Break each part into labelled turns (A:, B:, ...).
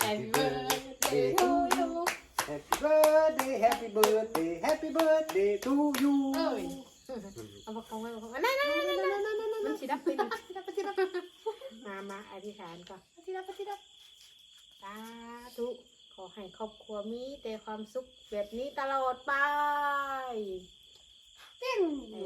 A: Happy birthday to you Happy birthday Happy birthday Happy birthday to you
B: เอาบอกเขาไว้บอกเขานั่นมันสิดับไปดิมาอธิษฐานก่อนปฏิดับสาธุขอให้ครอบครัวมีแต่ความสุขแบบนี้ตลอดไปปิ้ง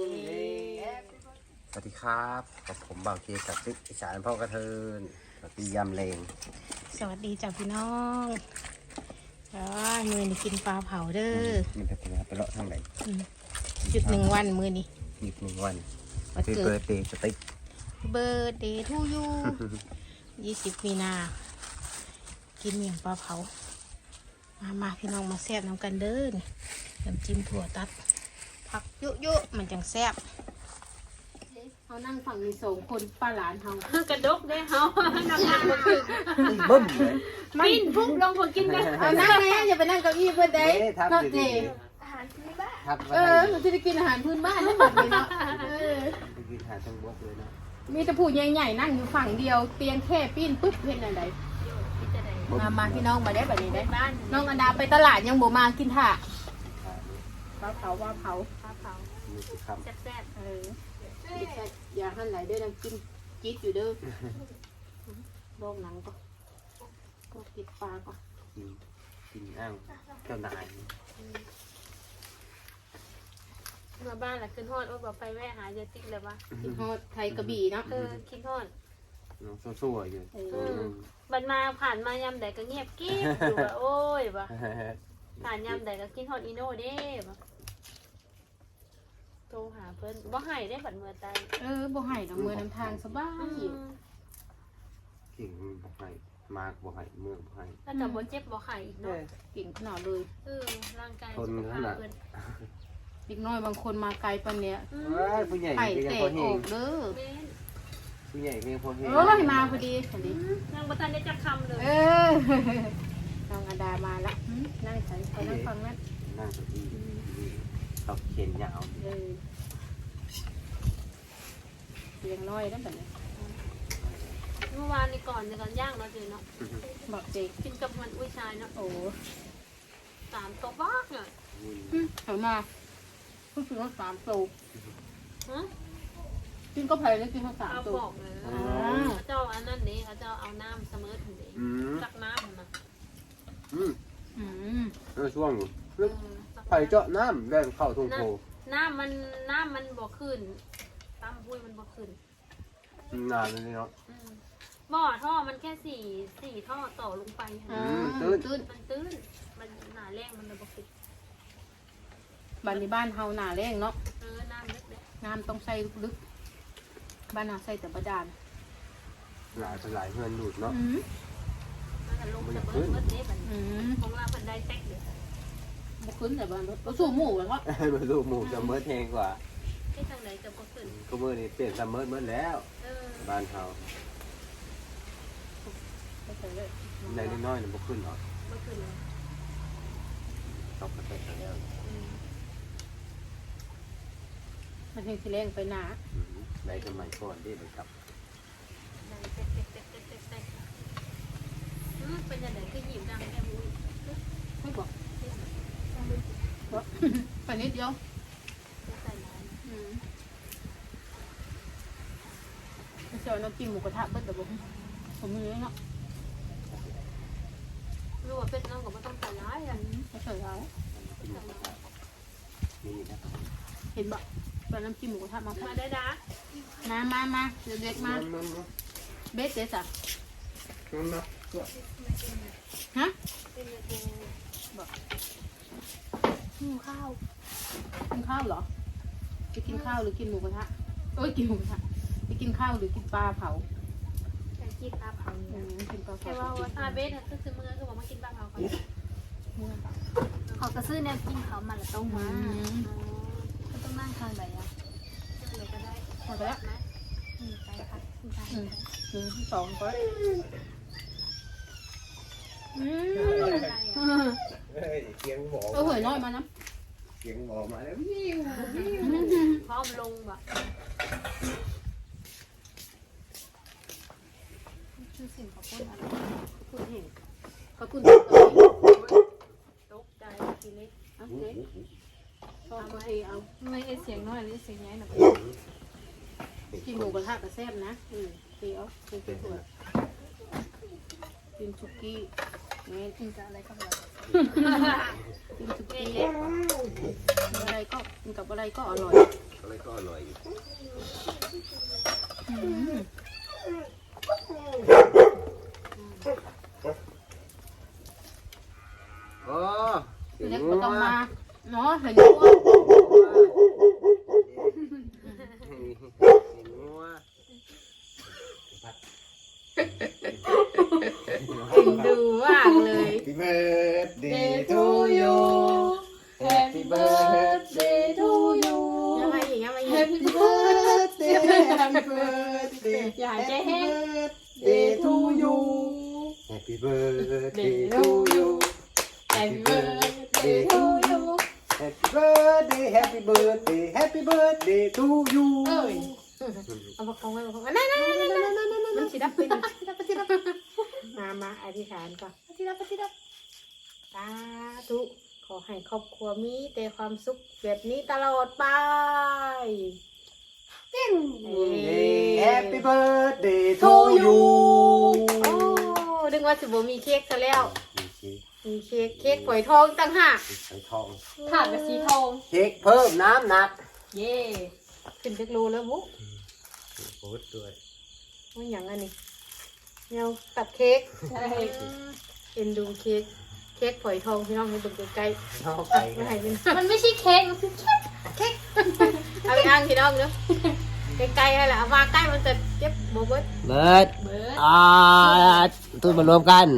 A: สวัสดีครับกับผมบ่าวเคกับซิกอีสานพ่อกระเทินสวัสดียำเลง
B: สวัสดีจ้ะพี่น้องมือนี่กินปลาเผาเด้อ
A: มันจะเป็นไปเลาะทางไหน
B: หยุด1 วันมือนี่
A: หยุด1 วัน
B: วัน
A: คือ
B: เกิ
A: เบิ
B: ด
A: ร์ดเดย์สติ๊ก
B: เบอร์เดย์ทูยู20 มีนากินเมี่ยงปลาเผามาพี่น้องมาแซ่บน้ำกันเด้อนี่น้ำจิ้มถั่วตัดผักเยอะๆมันจังแซ่บเขานั่งฝั่งนี้2 คนป้าหลานเขากระดกได้เขานั่งมาถึง
A: บึ้มเลย
B: ปิ้นพุ่งลงพอกินกันเอานั่งไงอย่าไปนั่งเก้าอี้เพื่อนได้
A: ทับ
B: เนาะ
A: ดี
B: เจ
C: อาหารพื้นบ้าน
A: ทับ
B: หนูจะได้กินอาหารพื้นบ้านนั่นแบบนี้เนาะ
A: ไปกินหาทั้งบกเลยนะ
B: มีแต่ผู้ใหญ่ๆนั่งอยู่ฝั่งเดียวเตียงแค่ปิ้นปุ๊บเห็นอะไรมาพี่น้องมาได้แบบนี้ได้น้องอันดาไปตลาดยังบ่มากินถ่าปลาเผา
A: มีสิครับ
C: แซ่บ
B: อย่าหั่นไหลเด้อน้ำจิ้มจี๊ดอยู่เด้อบอกหนังก็กินปลาก่อน
A: กินอ้างเจ้านาย
C: ๆมาบ้านแหละขึ้นฮอดว่าบอกไปแวะหาเยติ๊กเลยวะ
B: กินฮอดไทยกระบี่เนาะ
C: คิดฮอด
A: น้องสู้ๆอยู่
C: บัดมาผ่านมายำใดก็เงียบกิ๊บอยู่ว่าโอ้ยวะผ่านยำใดก็กินฮอดอีโน่เด้วะโทรหาเพิ่นบ่ให้ได้บัดเมื่อตาย
B: บ่ให้ดอกมือน้ำทางสบาย
A: เก่งบ่ให้มากบ่ให้เมืองบ่ให้
C: ถ้าแต่บ่เจ็บบ่ไข้อีกเนาะ
B: เก่งขนาดเลย
C: ร่างกายสุขภาพเพิ่น
B: เด็กน้อยบางคนมาไกลปานเนี้ย
A: ผู้ใหญ่
B: ไข่
A: ก็ยัง
B: แต
A: พอก เฮ
B: อง อกเด้อ
C: แม่น
A: ผู้ใหญ่ก็ยังพอเฮง
B: มาพอดีพอดี
C: ยังบ่ทันได้จักคำเลย
B: น้องอดามาละนั่งใส่เขานั่งฟังนั่น
A: นั่งเก้าอี้เขาเขียนยาว
B: เลี้ยงน้อยนั่นแบบนี้
C: เมื่อวานนี่ก่อนย่างเนาะเจเนาะ
B: บอกเจ๊
C: กินกับมันอุ้ยชายเนาะ
B: โอ้
C: 3 ตัวบ้ากเนี่ย
B: เขามาเพิ่งซื้อมา3 ตัว
C: ฮะ
B: กินก็แพงแล้วกินมา
C: เอา
B: 3 ตัว
C: บอกเลยเจ้าอันนั้นนี่เขาเจ้าเอาน้ำเสมอถึงนี้ตักน้ำมา
A: ช่วงไผ่เจาะน้ำแรงเข้าทุ่งโพ
C: น้ำมันบ่ขึ้นตามห้วยมันบ่ขึ้น
A: นานเลยเนาะ
C: บ่อท่อมันแค่สี่ท่อต่อลงไป
B: ตื้น
C: มันตื้นมันหนาแรงมันเลยบ่ขึ้น
B: บ้านในบ้านเฮาหนาแรงเนาะ
C: น้ำเล็ก
B: น้ำต้องใส่ลึกบ้านเฮาใส่แต่บาดาล
A: หลายเงินดูดเนาะ
C: มันจะลงจะเบิดเด้บัดของเราเพิ่นได้แตกเด้อ
B: บ่ขึ้นแต่บ้านเราสู้หมูแล้วก็
A: มาดูหมูจะเมิดแทงกว่า
C: ที่ทางไหนจะบ่ขึ้น
A: ก็เมื่อนี้เปลี่ยนซัมเมิดแล้วบ้านเขาในน้อยๆเนี่ยบ่ขึ้นหรอก
C: บ่ขึ้นเลย
A: ตกกระเตะแล้ว
B: มันเฮงสิแรงไปหนา
A: ได้สมัยก่อนที่ไปกับ
C: ได้แตกเป็นจังได๋คือยิ้มดังแค่บุ้ย
B: ไม่บอกไปนิดเดียว
C: ใส่ร้าย
B: ไม่ใช่น้ำจิ้มหมูกระทะเบิ้ลแต่ผมมีเนาะ
C: รู้ว่าเป็ดน้องก็บ่ต้องใส่ร้ายอ่ะ
B: ไม่ใช่แล้ว
A: นี่นะ
B: เห็นบ่ตอนน้ำจิ้มหมูกระทะมา
C: มาได้ดา
B: มาเด็กมาเบสเจ๊สักฮะ
C: เป็นยังไง
B: กินข้าวเหรอจะกินข้าวหรือกินหมูกระทะกินหมูกระทะจะกินข้าวหรือกินปลาเผา
C: แต่กินปลาเผาเนี่ย
B: กินปลาเผา
C: แค่ว่าถ้าเบสก็คือมือคือบอกมากินปลาเผาก่อน
D: เขาก็ซื้อแนวกินเขามาแล้วต้องมาก็ต้องนั่งทานแบบนี้
C: เลยก็ได้
B: หมดแล้ว
C: นะ
D: ไปค่ะคุณชาย
B: 1 2ก็
A: เสียงหมอ
B: หวยน้อยมานะ
A: เสียงหมอมาแล้ว
C: พร้อมลงแบบ
D: ชื่อสิ่งของคนอะไร
B: พูดเห็นขอบคุณตกใจทีเล็กเอาเล็กชอบมาเอา
D: ไม่ได้เสียงน้อยหรือเสียงใหญ่หรอก
B: กินหมูกระทะกระแซ่บนะเดี๋ยวกินถั่วกินชุกี้แม่
D: กินกับอะไรก็อร่อย
B: กินชุกี้อะไรก็กินกับอะไรก็อร่อย
A: อะไรก็อร่อยอยู่อ๋อ
B: เล็กก็ต้องมาเนาะเห็นด้วย กินดูมากเลย
A: Happy birthday to you Happy birthday to you
B: ยังไงอีกยังไงอีก
A: Happy birthday Happy birthday
B: อย่าใจแห้ง
A: Birthday to you Happy birthday to you Happy birthday to you Happy birthday Happy birthday Happy birthday to you
B: เอ้ยเอาประคองไว้ประคองนั่นมันสิดับเป็นสิดับมาอธิษฐานก่อนสิดับสาธุขอให้ครอบครัวมีแต่ความสุขแบบนี้ตลอดไป
A: Happy birthday to you
B: โอ้ดึงว่าสิบ่มีเค้กซะแล้วมีเค้กฝอยทองต่างหาก
A: ไข่ทอง
D: ถาดกับสีทอง
A: เค้กเพิ่มน้ำหนัก
B: เย่ขึ้นจักรูแล้วบุ๊
A: โอ้ด้วย
B: ว่าอย่างอันนี้แนวตัดเค้ก
D: ใช่
B: เอ็นดูเค้กฝอยทองพี่น้องให้ดูใกล้
A: นอก
B: ๆ
A: ไป
B: ไม่
A: กัน
B: ให้เป็น
D: มันไม่ใช่เค้กมันคือเค้ก
B: เอาไปอ้างพี่น้องเนาะใกล้ๆให้แหละเอามาใกล้มันจะเจ็บโบเบิ้ล
A: เบิร์ดตุ้นมารวมกัน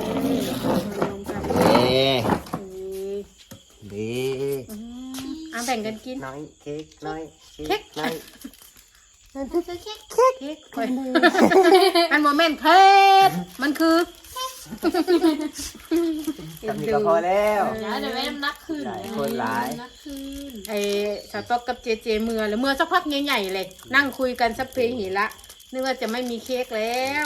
A: ดี
B: เอาแบ่งกันกิน
A: น้อยเค้กน้อยเค้กน้อย
B: เค้กฝอยมันโมเมนต์เค้กมันคือ
A: ทำนี่ก็พอแล้ว
D: เดี๋ยวแม่น้ำนักขึ้น
A: หลายคนหลาย
D: นักขึ้น
B: ไอ้สต๊อกกับเจเมื่อแล้วเมื่อสักพักใหญ่ๆเลยนั่งคุยกันสักเพลงหิละนึกว่าจะไม่มีเค้กแล้ว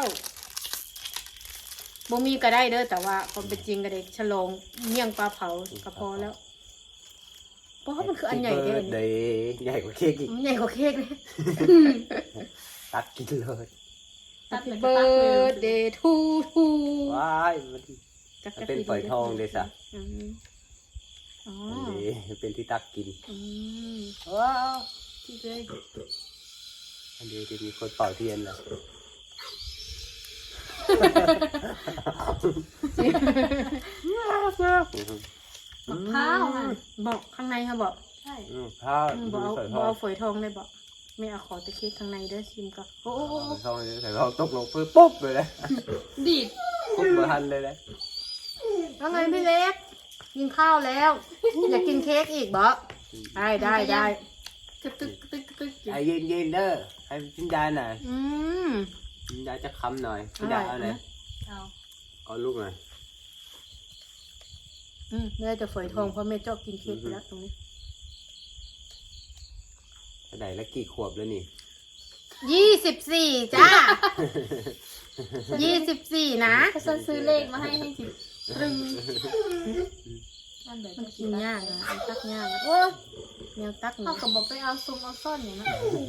B: บ่มีก็ได้เด้อแต่ว่าความเป็นจริงก็ได้ฉลองเมี่ยงปลาเผาก็พอแล้วเพราะว่ามันคืออันใหญ่เด้อ
A: เดย์ใหญ่กว่าเค้กอีก
B: มันใหญ่กว่าเค้กเลย
A: ตักกินเลย
D: ตัดเลย
B: เบิร์ดเดย์ทู
A: ว้ายมันเป็นฝอยทองเลยสะ
B: อ๋อ
A: อันนี้เป็นที่ตักกิน
B: ว้าวที่เลย
A: อันนี้จะมีคนเป่าเทียนแหละ
D: ข้าวค่ะ
B: บอกข้างในค่ะบอก
D: ใช่
A: ข้าว
B: บอก
A: ใส่ท
B: เอา
A: อง
B: ฝอยทองเลยบอกไม่เอาขอแต่เค้กข้างในเด้อชิมก่อนโอ้
A: ใส่ทองใส่ทองตกลงปุ๊บเลยนะ
D: ดีด
A: ปุ๊บมาทันเลยนะ
B: แล้วไงพี่เล็กกินข้าวแล้ว อยากกินเค้กอีกบอกได้
D: กระตึกกระตึกกระตึก
A: ไอ้เย็นๆเด้อให้กินยาหน่อย
B: อืม
A: กินยาจะคำหน่อยกินยาเอาหน่อย
D: เอา
A: เอาลูกหน่อย
B: แม่จะฝอยทองเพราะแม่ชอบกินเค้กอยู่แล้วตรงนี้
A: ไหนแล้วกี่ขวบแล้วนี่
B: 24จ้า24นะ
D: เขาจะซื้อเลขมาให้สิตรึงนั่นเดี๋ยว
B: มัน
D: จะ
B: กินยากนะมันตักยากนะโอ้แนวตักหนู
D: เขาก็บอกไปเอาซุมเอาซ่อนอย่างนั้น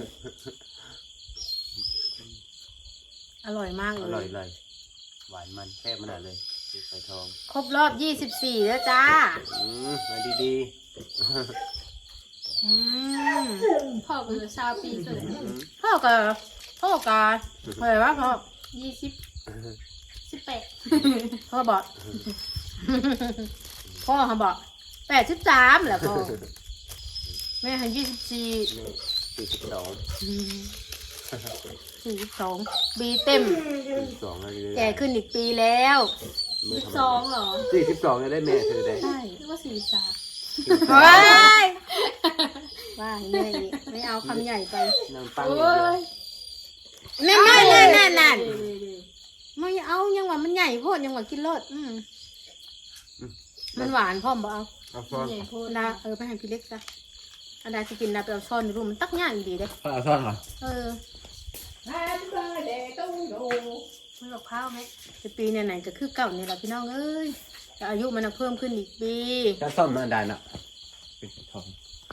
B: อร่อยมาก
A: อ
B: เล
A: ร่อย
B: ย
A: เลยหวานมันแค่ขนาดเลยใส่ทอง
B: ครบรอบ24แล้วจ้า
A: มาดี
D: พ่อก็เลยชาวปีเกิด
B: พ่อกับอะไรวะพ่อ
D: 28
B: พ่อบอก พ่อเขาบอก83แหละพ่อแม่ให้24
A: 42
B: บีเต็ม
A: 42อะไรเลย
B: แก่ขึ้นอีกปีแล้ว
D: 12เหรอ
A: 42จะได้แม่เธอได้
B: ใช่
D: นึกว่า43
B: ว้ายว่าใหญ่ไม่เอาคำใหญ่ไป
A: น้ำปัง
D: โอ้ย
B: นั่นไม่เอายังว่ามันใหญ่โพดยังว่ากินรสมันหวานพ่อมบ่เอา
A: เอาซ่อน
D: ใหญ่โพด
B: ดาไปให้พี่เล็กซะอันดาจะกินดาไปเอาช้อนดูมันตักย่างดีเด้
A: เอาซ่อนเหรอ
B: เออ
A: Happy birthday to you
D: ไม่กับข้าวไหม
B: ปีไหนๆก็คือเก่านี่แหละพี่น้องเอ้ยแต่อายุมันเพิ่มขึ้นอีกปี
A: จะซ่อมมาได้นะเป็นทอง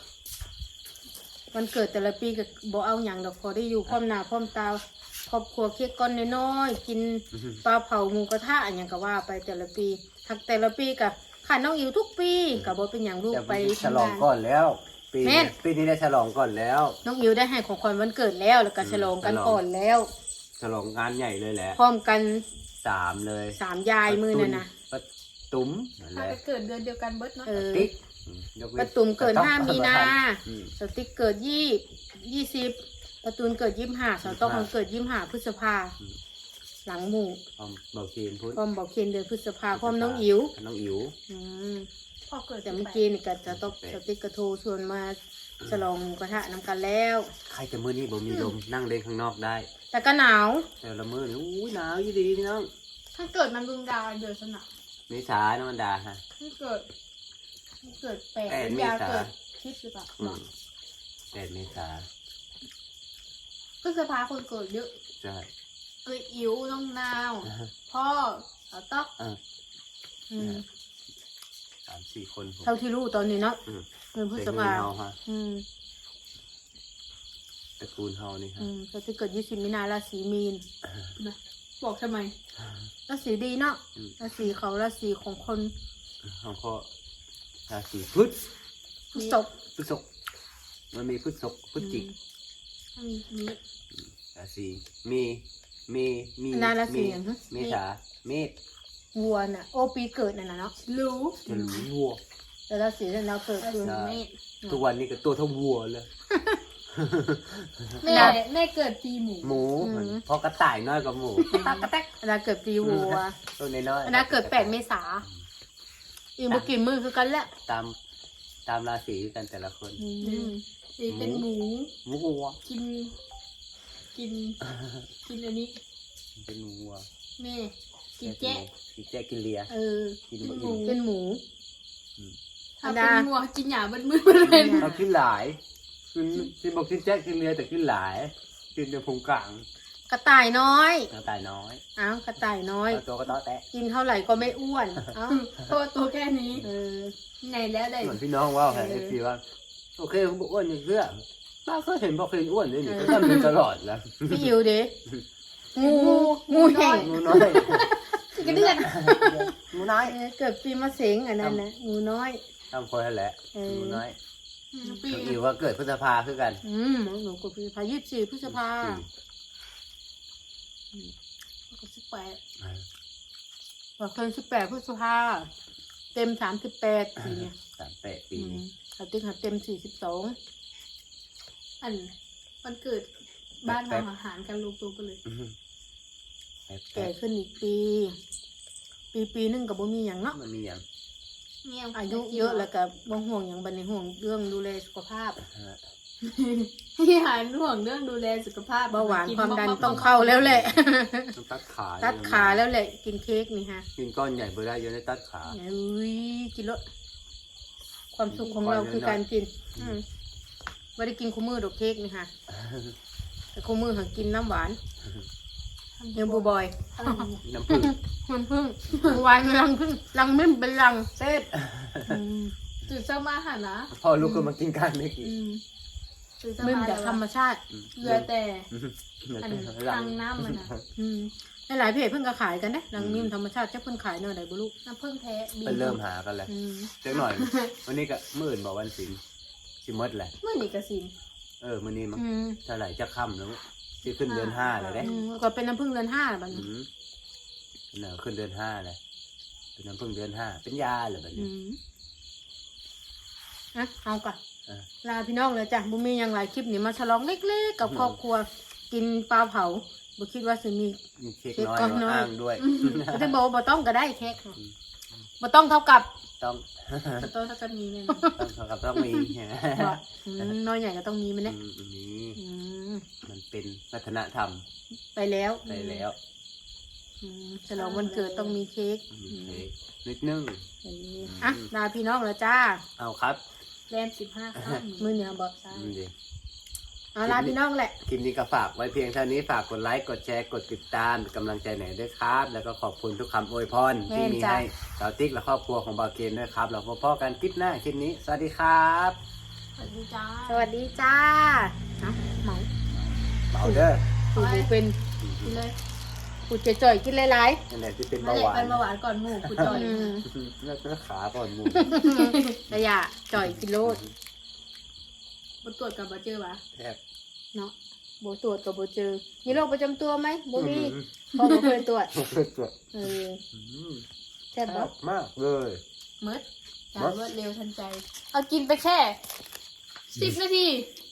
B: วันเกิดแต่ละปีก็บ่เอาอย่างดอกพอได้อยู่พร้อมหน้าพร้อมตาครอบครัวเค้กก้อนน้อยๆกินปลาเผาหมูกระทะอย่างก็ว่าไปแต่ละปีทักแต่ละปีกับขาดน้องอิ๋วทุกปีกับบ่เป็นอย่างลูก
A: จะ
B: ไป
A: ฉลองก่อนแล้ว ปี
B: แม่น
A: ปีนี้ได้ฉลองก่อนแล้ว
B: น้องอิ๋วได้ให้ของขวัญวันเกิดแล้วแล้วก็ฉลองกันก่อนแล้ว
A: ฉลองงานใหญ่เลยแหละ
B: พร้อมกัน
A: 3เลย
B: 3 ยายมือนั่นนะ
A: ป้าตุ้มนั่นแห
D: ถ้า
A: ละ
D: จะเกิดเดือนเดียวกันเบิดเนาะ
B: เออ
A: ติ๊กยกเว้น
B: ประตุมเกิด5 มีนา
A: อืม
B: สติ๊กเกิด20ประตูนเกิด25สาวต้องเกิด25พฤษภาหลังหมู่
A: พร้อมเบาเคนพุทธ
B: พร้อมบอกเคนเดือนพฤษภาพร้อมน้องอิ๋ว
A: น้องอิ๋ว
B: อืม
D: พอเกิด
B: แต่เมื่อกี้นี่ก็จะต้องสติ๊กกระโทรชวนมาฉลองหมูกระทะน้ำกันแล้ว
A: ใครจะมือนี่บ่มีลมนั่งเล่นข้างนอกได้
B: แต่ก็หนาว
A: แต่ละมือนี่อู้ยหนาวยี่ดีพี่น้อง
D: ถ้าเกิดมันดุงดาวเดือนสนับ
A: เมษาน้ำมันดาฮะ
D: ถ้าเกิดแปด
A: เม
D: ยา
A: ษา
D: เกิดคิดหรือเปล่า
A: 8 เมษา
D: พฤษภาคนเกิดเยอะ
A: ใช่
D: เอ้ยอิ๋วน้องนาว พ่อสาวต๊อก
B: อืม
A: 3-4 คนผม
B: เท่าที่รู้ตอนนี้เนาะ
A: อืม
B: เดือนพฤษ
A: เป็น
B: ภา
A: เฮาฮะ
B: อืม
A: ตระกูลเฮานี่ฮะ
B: สติ๊กเกิด20 มีนาราศีมีน
D: บอกทำไม
B: ราศีดีเนาะราศีเขาราศีของคน
A: ของพ่อราศีพฤษ
B: พฤษภ
A: พฤษภมันมีพฤษภพฤศจิก
D: มี
A: ราศีมีเมษาเมษ
B: วัวน่ะโอปีเกิดน่ะนะเนาะ
D: รู้
A: จะรู้วัว
B: แต่ราศีที่เราเกิดคือ
A: ใช่
D: แม่
A: ทุกวันนี้ก็ตัวเท่าวัวเลย
D: แม่เกิดปีหมู
A: หมูเพราะกระต่ายน้อยกว่าหมู
D: ตากระแตก
B: เวลาเกิดปีวัว
A: ตัวน้อย
B: เวลาเกิด8 เมษาอีกบ่กี่มือคือกันแหละ
A: ตามราศีกันแต่ละคน
D: นี่เป็นหมู
A: หมูวัว
D: กินอันนี้
A: เป็นวัว
D: แม่กินแจ๊ะ
A: กินแจ๊กินเลีย
B: เออ
A: กินบ่
B: เป็นหมู
D: ถ้าเป็นงัวกินหญ้าเบิดมือเลย
A: เขากินหลายกินบอกกินแจ๊กินเลียแต่กินหลายกินในพุงกลาง
B: กระต่ายน้อย
A: กระต่ายน้อย
B: อ้าวกระต่ายน้อย
A: ตัวก็ต้อแตะ
B: กินเท่าไหร่ก็ไม่อ้วนเอ้า
D: เพราะว่าตัวแค่นี้
B: เออ
D: ไงแล้วได้
A: เหมือนพี่น้องว่าแผนทีว่าโอเคเขาบอกอ้วนอย่างเสื้อป้าก็เห็นบอกเคยอ้วนนี่ก็ทำอยู่ตลอดแล้ว
B: พี่อิวเด้งูแห่ง
A: งูน้อย
D: กระเดือน
A: งูน้อย
B: เกิดปีมะเสงอันนั้นนะงูน้อย
A: ทำคนนั่นแหละงูน้อย
D: ปี
A: น้องอิวว่าเกิดพฤษภาคือกัน
B: หนูกดพฤษภา24 พฤษภาก็18บอกเพิ่น18 พฤษภาเต็ม38ปีเนี่ย
A: 38 ปีนี้
B: เขาติ๊กหาเต็ม42
D: อันวันเกิดบ้านทำอาหารกันลูกตัวไปเลย
B: แก่ขึ้นอีกปีนึงกับบ่มีหยังเนาะ
A: มันมีอย่าง
B: อายุเยอะแล้วก็บ่ห่วงหยังบัดนี้ห่วงเรื่องดูแลสุขภาพ
D: ที่หารห่วงเรื่องดูแลสุขภาพ
B: เบาหวานความดันต้องเข้าแล้วแหละ
A: ต้องตัดขา
B: ตัดขาแล้วแหละกินเค้กนี่ฮะ
A: กินก้อนใหญ่เบอร์ได้เยอะได้ตัดขา
B: อุ้ยกินแล้วความสุขของเราคือการกินไม่ได้กินคู่มือดอกเค้กนี่ฮะแต่คู่มือหากินน้ำหวานยังบูบอย
A: น้ำผึ้ง
B: มันพึ่งวายรังพึ่งรังไม่เป็นรังเซ็ต
D: จุดเจ้ามาหานะ
A: พอลูกก็มากินกันไม่กิน
D: จุดเจ้า
B: มึง
D: มา
B: จากธรรมชาติ
D: เหลือแต่อันทางน้ำมันนะ
B: หลายเพจเพิ่งก็ขายกันนะรังมิมธรรมชาติจะเพิ่งขายเนอะไหนบุลูก
D: น้ำผึ้งแท้บี
A: เป็นเริ่มหากันแล้วเจ๊หน่อย วันนี้ก็มื่นบอกวันศิลป์สิมดแหละ
D: เมื่อนี่กระสิน
A: มื้อนี้มั้งเท่าไหร่จะค่ำแล้วสิขึ้นเดือน5เลยเด้
B: ก็เป็นน้ำผึ้งเดือน5บัดนี้
A: ขึ้นเดือน5เลยเป็นน้ำผึ้งเดือน5เป็นยาเหรอแบบนี้
B: เอาก่อนลาพี่น้องเลยจ้ะบุมีอย่างไรคลิปนี้มาฉลองเล็กๆกับครอบครัวกินปลาเผาบุคิดว่าจะมี
A: เค้กน้อยอ้างด้วย
B: ก็จะบอกว่าบ่ต้องก็ได้เค้กบ่ต้องเท่ากับ
A: ต้อง
D: ตัวถ้าจะมีเนี่ย
A: ต้องมี
B: น้อยใหญ่ก็ต้องมีมันเนี่ย
A: มันเป็นวัฒนธรรม
B: ไปแล้ว
A: ไปแล้ว
B: ฉลองวันเกิดต้องมีเค้ก
A: นิดนึง
B: อ่ะลาพี่น้องแล้วจ้า
A: เอาครับ
D: แรม15 ข้าม
B: มือเหนียวบอก
A: ดี
B: เอาล่ะพี่น้องแหละ
A: คลิปนี้ก็ฝากไว้เพียงเท่านี้ฝากกดไลค์กดแชร์กดติดตามเป็นกำลังใจไหนด้วยครับ แล้วก็ขอบคุณทุกคำอวยพรที่มีให้สาวติ๊กและครอบครัวของบาวเกนด้วยครับเราพบกันคลิปหน้าคลิปนี้สวัสดีครับ
C: สวัสดีจ้า
B: สวัสดีจ้าเอาเหมา
A: เบาเด้อ
B: ปูเป็น
D: กินเลย
B: ปูจ่อยๆกินหลาย
A: นั่นแหละที่เป็น
D: มา
A: เบา
D: เล
A: ห
D: ย
A: วา
D: เป็น นเบาหวานก่อนหมูกูจอย
A: เลือกขาก่อนหมู
B: ๆระยะจ่อยกิโลด
D: มาตรวจกับมาเจอปะ
A: แทบ
B: เนาะโบตรวจกับโบเจอมีโรคประจำตัวไหมโบมีพอโบเคยตรวจ
A: ตรวจ
B: เออ
A: อืม
B: แซ่บบ่
A: มากเลย
D: มืดการรวดเร็วทันใจ
C: เอากินไปแค่10 นาที